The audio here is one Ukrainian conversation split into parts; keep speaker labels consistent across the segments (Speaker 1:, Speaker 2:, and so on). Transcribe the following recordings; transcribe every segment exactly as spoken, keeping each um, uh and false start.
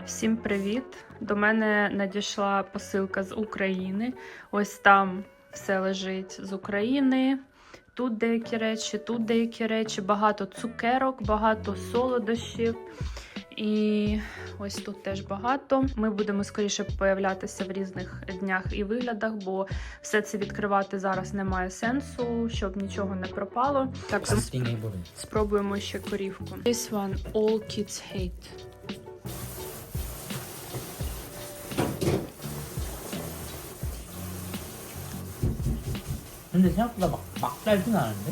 Speaker 1: Всім привіт! До мене надійшла посилка з України. Ось там все лежить з України. Тут деякі речі, тут деякі речі, багато цукерок, багато солодощів. І ось тут теж багато. Ми будемо скоріше появлятися в різних днях і виглядах, бо все це відкривати зараз немає сенсу, щоб нічого не пропало. Так, спробуємо ще корівку. This one all kids hate.
Speaker 2: 근데 생각보다 막, 막 달진 않은데?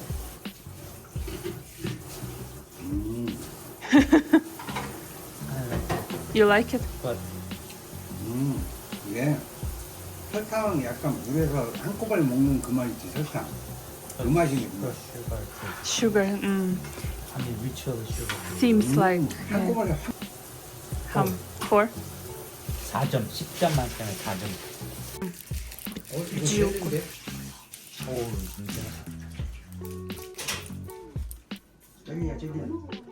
Speaker 3: 음,
Speaker 1: You like it?
Speaker 2: But
Speaker 3: 음, 이게 설탕 약간 물에서 한꺼번에 먹는 그 맛 있지, 설탕. 그 맛이거든요.
Speaker 2: sugar taste.
Speaker 1: Sugar, mm,
Speaker 2: I mean ritual sugar.
Speaker 1: seems
Speaker 3: 음,
Speaker 1: like. Yeah.
Speaker 3: 한꺼번에 확.
Speaker 1: How? Four?
Speaker 2: 사 점, 십 점 만점에 사 점.
Speaker 3: 어, 이거
Speaker 1: 지옥.
Speaker 3: 젤리인데?
Speaker 2: 오, 진짜.
Speaker 3: 젤리야, 젤리야.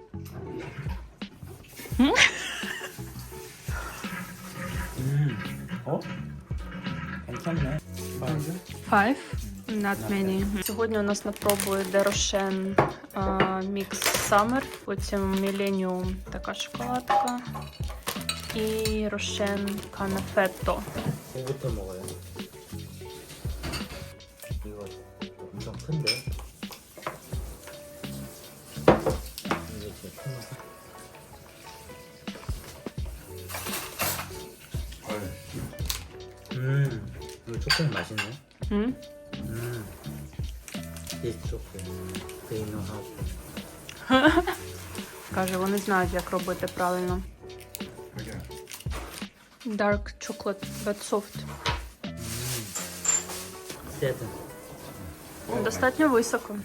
Speaker 2: 음, 어? 괜찮네.
Speaker 1: Five? Not many. Сьогодні у нас на пробу йде Рошен Mix Summer, потім Millennium така шоколадка і Рошен Canafetto.
Speaker 2: 뭐부터 먹어요? 이거 엄청 큰데? 이게 제일 큰 거. 음, 이거 초콜릿 맛있네.
Speaker 1: 음?
Speaker 2: 음, this chocolate, they know how to.
Speaker 1: Каже, вони знають, як робити правильно.
Speaker 3: 그래.
Speaker 1: Dark chocolate, but soft.
Speaker 2: Seven.
Speaker 1: Достатньо високо.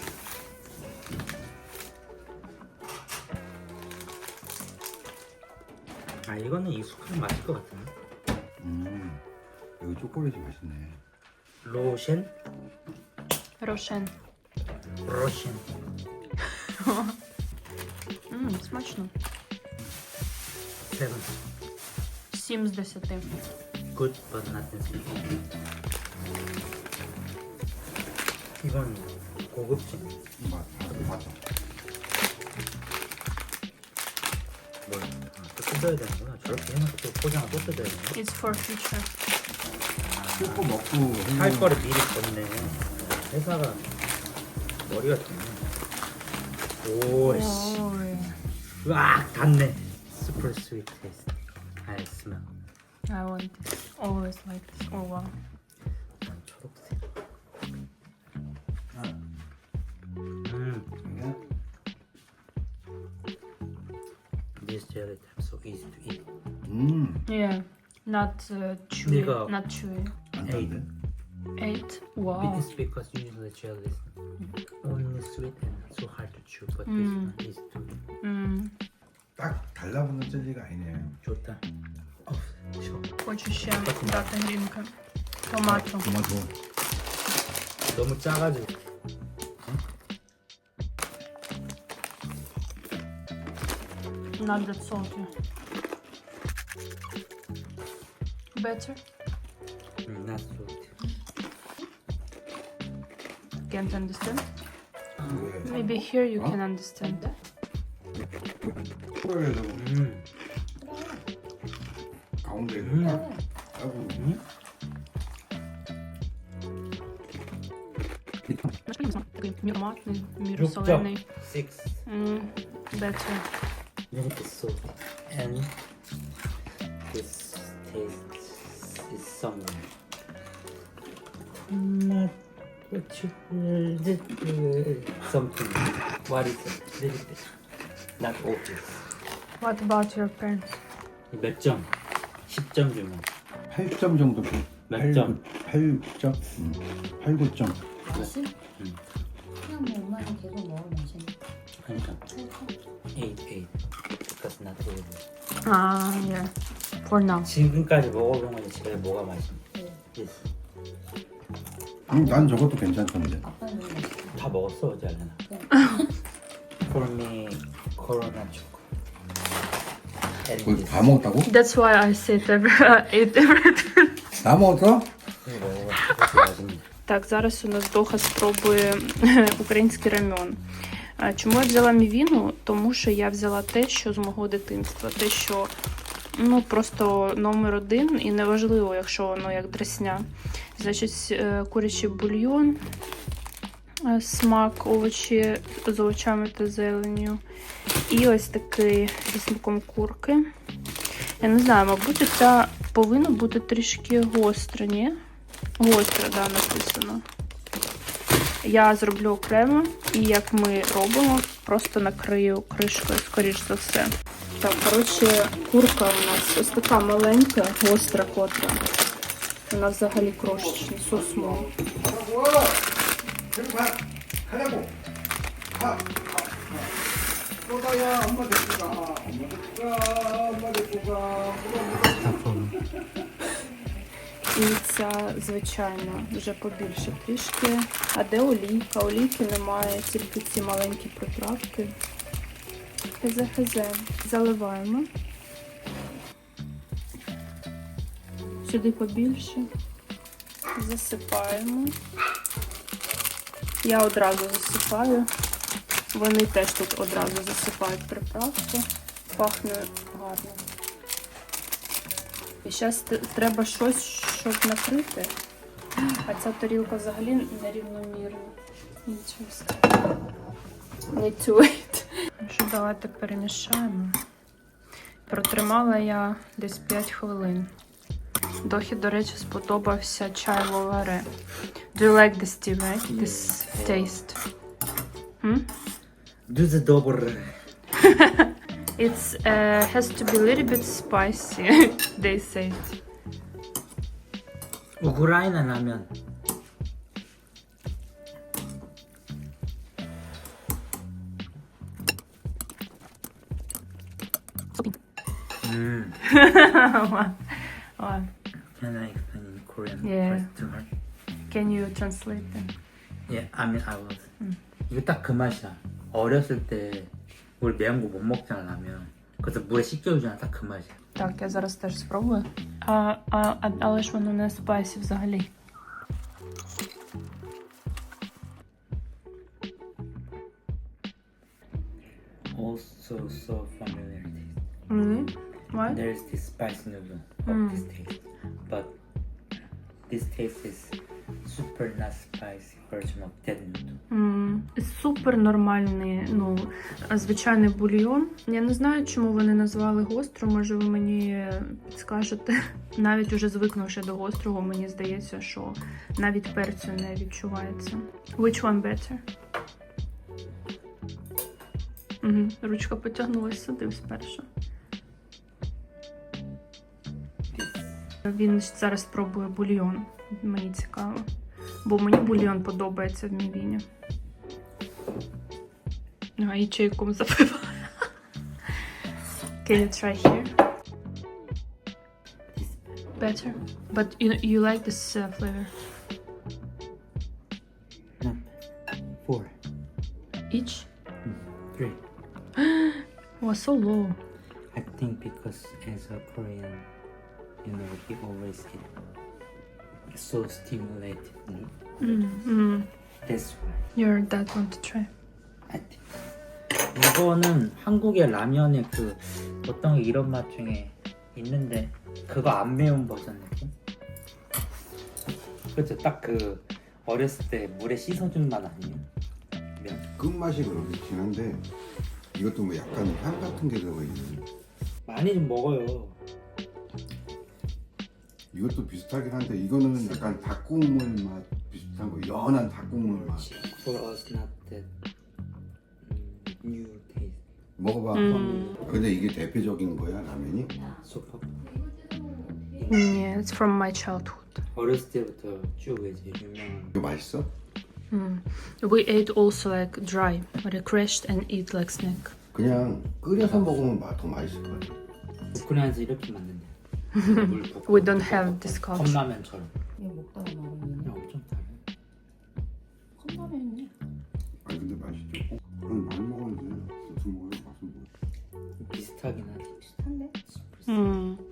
Speaker 2: 아, 이거는 익숙한 맛일 것 같은데.
Speaker 3: 음, 여기 초콜릿이 맛있네.
Speaker 2: 로션?
Speaker 1: Рошен.
Speaker 2: 로션.
Speaker 1: Мм, смачно.
Speaker 2: Seven.
Speaker 1: Сім з десяти.
Speaker 2: Good, but not necessary. 이건 고급진.
Speaker 3: 맞, 맞아.
Speaker 2: 뭘? 아, 또 뜯어야 되는구나. 저렇게 해놓고 또 포장을 또 뜯어야 되나?
Speaker 1: It's for future.
Speaker 3: 뜯고 먹고.
Speaker 2: 할 거를 미리 줬네. 회사가 머리가 좋네. 오씨.
Speaker 1: Ой.
Speaker 2: 으악! 닿네. Super sweet taste. I smell.
Speaker 1: I want this. Always like this. Oh wow.
Speaker 2: 난 초록색. 음.
Speaker 3: 그래?
Speaker 2: This jelly type so easy to eat.
Speaker 3: 음,
Speaker 1: Yeah. Not uh, chewy.
Speaker 2: 네가-
Speaker 1: Not chewy.
Speaker 3: 안
Speaker 2: 에이.
Speaker 3: 탔네.
Speaker 1: Eight. Wow.
Speaker 2: It is because usually jelly is only sweet and so hard to chew, but this
Speaker 1: 음.
Speaker 2: one is too
Speaker 1: 음.
Speaker 3: 딱 달라붙는 젤리가 아니네.
Speaker 2: 좋다. 어, 쉬워.
Speaker 1: Хочу ще дати грінка. Томато.
Speaker 3: 토마토.
Speaker 2: 너무 짜가지고.
Speaker 1: Not that salty. Better?
Speaker 2: 음, not sweet.
Speaker 1: Can't understand?
Speaker 3: 왜?
Speaker 1: Maybe here you
Speaker 3: Huh?
Speaker 1: can understand.
Speaker 3: 초콜릿에서
Speaker 2: 음,
Speaker 3: 가운데에서
Speaker 2: 음.
Speaker 3: 딱 하고.
Speaker 2: 음?
Speaker 1: Такий міроматний,
Speaker 2: 육 점
Speaker 1: міросолений.
Speaker 2: six.
Speaker 1: Mm, better.
Speaker 2: Milk is salty and this taste is somewhere. Not what you something. What is it? Little bit. Not obvious.
Speaker 1: What about your parents?
Speaker 2: 몇 점? 십 점 주면
Speaker 3: 팔 점 정도.
Speaker 2: 몇 점?
Speaker 3: 팔 점? 음, 팔, 구 점.
Speaker 4: 맛이?
Speaker 2: 음.
Speaker 4: 그냥 뭐 엄마는 계속 먹을 맛이네.
Speaker 2: 그러니까 eight, eight. Because not obvious.
Speaker 1: Ah, yeah. For now.
Speaker 2: 지금까지 먹어본 건 제일 뭐가 맛있니?
Speaker 4: 네.
Speaker 2: Yes.
Speaker 3: 음, 난 저것도 괜찮던데.
Speaker 4: 아빠는 너무 맛있어.
Speaker 2: 다 먹었어 어제 알려나? For me, Corona chocolate. and
Speaker 3: 그걸
Speaker 2: this.
Speaker 3: 다 먹었다고?
Speaker 1: That's why I said every, ate everything.
Speaker 3: 다 먹었어?
Speaker 2: 이거 먹어봐. 이것도 맛있네.
Speaker 1: Так, зараз у нас Доха спробує український рамьон. А чому я взяла мівіну? Тому що я взяла те, що з мого дитинства. Те, що ну, просто номер один і неважливо, якщо воно як дресня. Значить, е, курячий бульйон, е, смак, овочі з овочами та зеленню. І ось такий зі смаком курки. Я не знаю, мабуть, це повинно бути трішки гостре, ні? Гостре, да, написано. Я зроблю окремо, і як ми робимо, просто накрию кришкою, скоріш за все. Так, коротше, курка у нас ось така маленька, гостра котра. Вона взагалі крошечна, сосмо.
Speaker 3: 저리 가. 가라고. 가. 또다야 엄마 데리고 가. 엄마 데리고 가. 엄마 데리고 가.
Speaker 1: І ця, звичайно, вже побільше трішки. А де олійка? Олійки немає, тільки ці маленькі приправки. Хезе-хезе. Заливаємо. Сюди побільше. Засипаємо. Я одразу засипаю. Вони теж тут одразу засипають приправку. Пахне гарно. І зараз треба щось, щоб накрити. А ця тарілка взагалі нерівномірна. Нічого сказати. Не тюють. Що, давайте перемішаємо. Протримала я десь п'ять хвилин. Дохі, до речі, сподобався чай ловаре. Do you like this tea, right? This taste? Hmm?
Speaker 2: Дуже добре.
Speaker 1: It's uh, has to be a little bit spicy, they say.
Speaker 2: 우크라이나 라면. 음.
Speaker 1: Ладно.
Speaker 2: Can I explain in Korean
Speaker 1: Yeah.
Speaker 2: first to her?
Speaker 1: Can you translate them?
Speaker 2: Yeah, I mean I was.
Speaker 1: 음.
Speaker 2: 이거 딱 그 맛이야. 어렸을 때 우리 매운 거 못 먹잖아 라면. 그래서 물에 씻겨주잖아. 딱 그 맛이야.
Speaker 1: Так, я зараз теж спробую. А, а, а, але ж воно не спайсі взагалі.
Speaker 2: Also so familiar taste.
Speaker 1: Really? Why?
Speaker 2: There's this spice noodle of
Speaker 1: Mm.
Speaker 2: this taste, but this taste is super not spicy version of that noodle.
Speaker 1: М, Супер нормальний, ну, звичайний бульйон. Я не знаю, чому вони назвали гостро, може ви мені підскажете. Навіть уже звикнувши до гострого, мені здається, що навіть перцю не відчувається. Which one better? Угу. Ручка потягнулася сюди спершу. Він зараз спробує бульйон. Мені цікаво. Бо мені бульйон подобається в мівіні. А, і чайком запиваю. Can you try here? Better? But you, you like this uh, flavor?
Speaker 2: Not four,
Speaker 1: Each?
Speaker 2: three.
Speaker 1: Oh, so low.
Speaker 2: I think because as a Korean, you know, he always eat so stimulated. You know?
Speaker 1: Mm, mm.
Speaker 2: That's why
Speaker 1: Your dad want to try.
Speaker 2: I think. 이거는 한국의 라면의 그 어떤 게 이런 맛 중에 있는데 그거 안 매운 버전 느낌? 그렇죠. 딱 그 어렸을 때 물에 씻어준 맛 아니에요? 면.
Speaker 3: 끝맛이 그렇게 진한데 이것도 뭐 약간 향 같은 게 들어가 있는.
Speaker 2: 많이 좀 먹어요.
Speaker 3: 이것도 비슷하긴 한데 이거는 약간 닭국물 맛 비슷한 거, 연한 닭국물 맛.
Speaker 2: For us not that 음, new taste.
Speaker 3: 먹어봐.
Speaker 1: 음.
Speaker 3: 근데 이게 대표적인 거야 라면이?
Speaker 2: 소파.
Speaker 1: Yeah, it's from my childhood.
Speaker 2: 어렸을 때부터 쭉 이제 유명한.
Speaker 3: 이거 맛있어?
Speaker 1: Mm. We ate also like dry, refreshed and eat like snack.
Speaker 3: 그냥 끓여서 먹으면 맛 더 맛있을 것 같아.
Speaker 2: 우크라이나에서 이렇게 만든대. 물 붓고
Speaker 1: We don't have this culture.
Speaker 2: 컵라면처럼.
Speaker 4: 이거 먹다가 말하면
Speaker 2: 그냥 엄청 달아요.
Speaker 4: 컵라면이네.
Speaker 3: 아니 근데 맛있죠. 그럼 많이 먹었는데 무슨 먹어요? 맛은 뭐?
Speaker 2: 비슷하긴 하지.
Speaker 4: 비슷한데?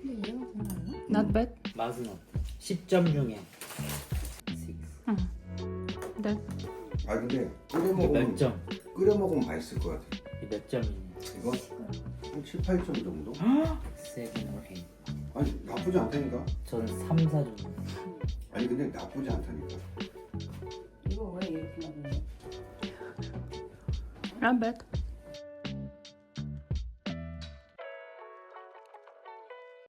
Speaker 4: 근데 얘가 괜찮나?
Speaker 1: Not bad.
Speaker 2: 맛은 어때? 십 점 중에 육.
Speaker 1: That.
Speaker 5: 아 근데 끓여
Speaker 2: 이게
Speaker 5: 먹으면
Speaker 2: 몇 점?
Speaker 5: 끓여 먹으면 맛있을 것 같아.
Speaker 2: 이게 몇 점이냐?
Speaker 5: 이거 한 칠, 팔 점 정도?
Speaker 2: 세븐 or 에잇.
Speaker 5: 아니 나쁘지 않다니까.
Speaker 2: 저는 삼, 사 점.
Speaker 5: 아니 근데 나쁘지 않다니까.
Speaker 4: 이거 왜 이렇게 나오냐?
Speaker 1: Not bad.